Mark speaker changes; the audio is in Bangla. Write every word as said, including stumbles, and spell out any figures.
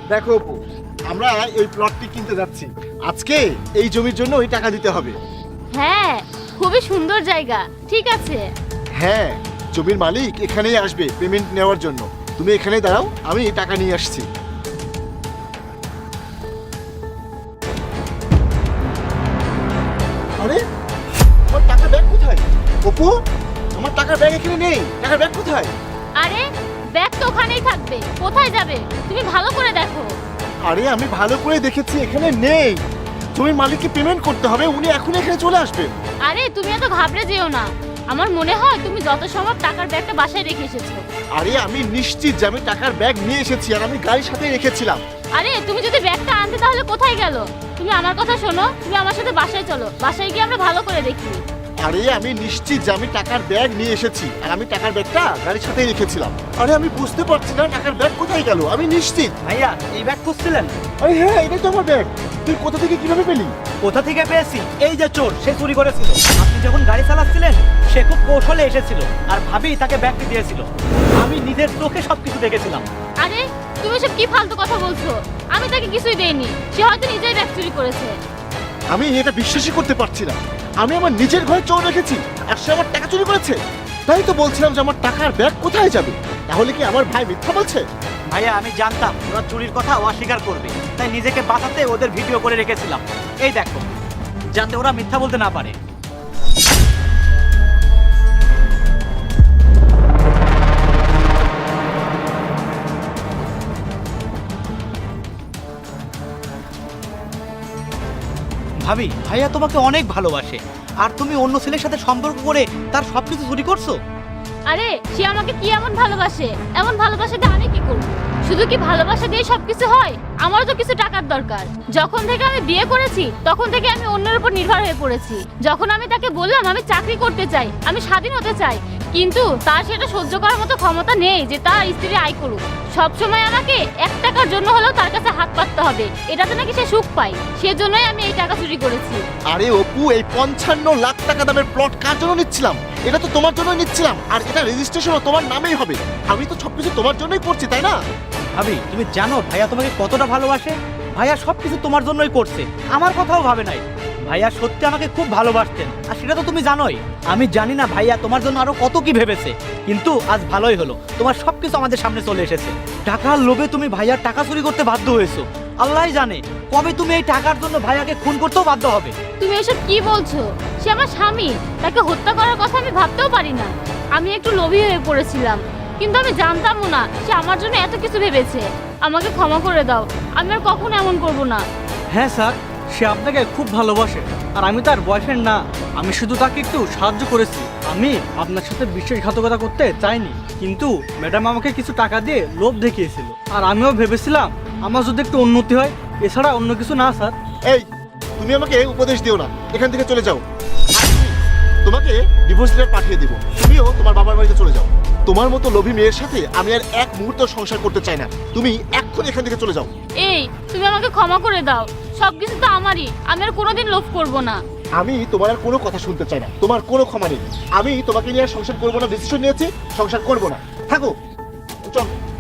Speaker 1: দেখো অপু, আমরা এই প্লটটি কিনতে যাচ্ছি। আজকে এই জমির জন্য ওই টাকা দিতে হবে।
Speaker 2: হ্যাঁ, খুবই সুন্দর জায়গা। ঠিক আছে।
Speaker 1: হ্যাঁ, জমির মালিক এখানেই আসবে পেমেন্ট নেওয়ার জন্য। তুমি এখানেই দাঁড়াও, আমি টাকা নিয়ে আসছি। আরে আমার টাকার ব্যাগ কোথায়? অপু, আমার টাকার ব্যাগ এখানে নেই। টাকার ব্যাগ কোথায়?
Speaker 2: আরে ব্যাগ তো ওখানেই থাকবে, কোথায় যাবে? তুমি ভালো করে দেখো।
Speaker 1: আরে আমি ভালো করে দেখেছি, এখানে নেই। জমির মালিককে পেমেন্ট করতে হবে, উনি এখন এখানে চলে আসবেন।
Speaker 2: আরে তুমি এত ঘাবড়ে যেও না। আমার মনে হয় তুমি যত সম্ভব টাকার ব্যাগটা বাসায় রেখে এসেছো।
Speaker 1: আরে আমি নিশ্চিত যে আমি টাকার ব্যাগ নিয়ে এসেছি, আর আমি গাড়ির সাথে রেখেছিলাম।
Speaker 2: আরে তুমি যদি ব্যাগটা আনতে তাহলে কোথায় গেল? তুমি আমার কথা শোনো, তুমি আমার সাথে বাসায় চলো, বাসায় গিয়ে আমরা ভালো করে দেখি।
Speaker 1: আরে আমি নিশ্চিত যে আমি টাকার ব্যাগ নিয়ে এসেছি, আর আমি টাকার ব্যাগটা গাড়ির সাথেই রেখেছিলাম। আরে আমি বুঝতে পারছি না টাকার ব্যাগ কোথায় গেল, আমি নিশ্চিত।
Speaker 3: ভাইয়া এই ব্যাগ খুঁজছিলেন?
Speaker 1: আরে হ্যাঁ, এটাই তো আমার ব্যাগ। তুই কোথা থেকে কিভাবে পেলি?
Speaker 3: কোথা থেকে পেয়েছি? এই যে চোর, সে চুরি করেছিল। আপনি যখন গাড়ি চালাচ্ছিলেন সে খুব কৌশলে এসেছিল, আর ভাবি তাকে ব্যাগটি দিয়েছিল। আমি নিজের চোখে সবকিছু দেখেছিলাম।
Speaker 2: আরে তুমি সব কি ফালতু কথা বলছো? আমি তাকে কিছুই দেইনি, সে হয়তো নিজেই ব্যাগ চুরি করেছে।
Speaker 1: আমি এটা বিশ্বাসই করতে পারছি না। আমি আমার নিজের ঘরে চোর রেখেছি, আর সে আমার টাকা চুরি করেছে। তাই তো বলছিলাম যে আমার টাকার ব্যাগ কোথায় যাবে। তাহলে কি আমার ভাই মিথ্যা বলছে?
Speaker 3: ভাইয়া আমি জানতাম ওরা চুরির কথা অস্বীকার করবে, তাই নিজেকে বাঁচাতে ওদের ভিডিও করে রেখেছিলাম। এই দেখো, যাতে ওরা মিথ্যা বলতে না পারে। ভাবি, ভাইয়া তোমাকে অনেক ভালোবাসে, আর তুমি অন্য ছেলের সাথে সম্পর্ক করে তার সবকিছু চুরি করছো।
Speaker 2: আরে সে আমাকে কি এমন ভালোবাসে? এমন ভালোবাসা দিয়ে আমি কি করব? শুধু কি ভালোবাসা দিয়ে সবকিছু হয়? আমারও তো কিছু টাকার দরকার। যখন থেকে আমি বিয়ে করেছি তখন থেকে আমি অন্যের উপর নির্ভর হয়ে পড়েছি। যখন আমি তাকে বললাম আমি চাকরি করতে চাই, আমি স্বাধীন হতে চাই, কিন্তু তার সেটা সহ্য করার মতো ক্ষমতা নেই যে তার স্ত্রী আয় করুক। সবসময় আমাকে এক টাকার জন্য হলেও তার কাছে হাত পাততে হবে, এটাতে নাকি সে সুখ পায়। সেজন্যই আমি এই টাকা চুরি করেছি।
Speaker 1: আরে অপু, এই পঞ্চান্ন লাখ টাকা দামের প্লট কার জন্য নিচ্ছিলাম? এটা তো তোমার জন্য নিচ্ছিলাম, আর এটা রেজিস্ট্রেশনও তোমার নামেই হবে। আমি তো সবকিছু তোমার জন্যই করছি, তাই না?
Speaker 3: ভাবি, তুমি জানো ভাইয়া তোমাকে কতটা ভালোবাসে? ভাইয়া সবকিছু তোমার জন্যই করছে, আমার কথাও ভাবে নাই। ভাইয়া সত্যি আমাকে খুব ভালোবাসতেন, আর সেটা তো তুমি জানোই। আমি জানি না ভাইয়া তোমার জন্য আরো কত কি ভেবেছে, কিন্তু আজ ভালোই হলো, তোমার সবকিছু আমাদের সামনে চলে এসেছে। টাকার লোভে তুমি ভাইয়ার টাকা চুরি করতে বাধ্য হয়েছো। আল্লাহই জানে কবে তুমি এই টাকার জন্য ভাইয়াকে খুন করতেও বাধ্য হবে।
Speaker 2: তুমি এসব কি বলছো? সে আমার স্বামী, তাকে হত্যা করার কথা আমি ভাবতেও পারি না। আমি একটু লোভী হয়ে পড়েছিলাম, কিন্তু আমি জানতামও না সে আমার জন্য এত কিছু ভেবেছে। আমাকে ক্ষমা করে দাও, আমি আর কখনো এমন করব না।
Speaker 4: হ্যাঁ স্যার, সে আপনাকে খুব ভালোবাসে, আর আমি তার বয়ফ্রেন্ড না। আমি শুধু তাকে একটু সাহায্য করেছি। আমি আপনার সাথে বিশ্বাসঘাতকতা করতে চাইনি, কিন্তু ম্যাডাম আমাকে কিছু টাকা দিয়ে লোভ দেখিয়েছিল, আর আমিও ভেবেছিলাম আমার যদি একটু উন্নতি হয়, এছাড়া অন্য কিছু না স্যার।
Speaker 1: এই, তুমি আমাকে উপদেশ দিও না, এখান থেকে চলে যাও। তোমাকে ডিভোর্স লেটার পাঠিয়ে দিব, তুমিও তোমার বাবার বাড়িতে চলে যাও। তোমার মতো লোভী মেয়ের সাথে আমি আর এক মুহূর্ত সংসার করতে চাই না। তুমি এখন এখান থেকে চলে যাও।
Speaker 2: এই, তুমি আমাকে ক্ষমা করে দাও, সবকিছু তো আমারই, আমি আর কোনোদিন লোভ করব না।
Speaker 1: আমি তোমার আর কোনো কথা শুনতে চাই না, তোমার কোনো ক্ষমা নেই। আমি তোমাকে নিয়ে আর সংসার করবো না, ডিসিশন নিয়েছি, সংসার করবো না। থাকো, চল।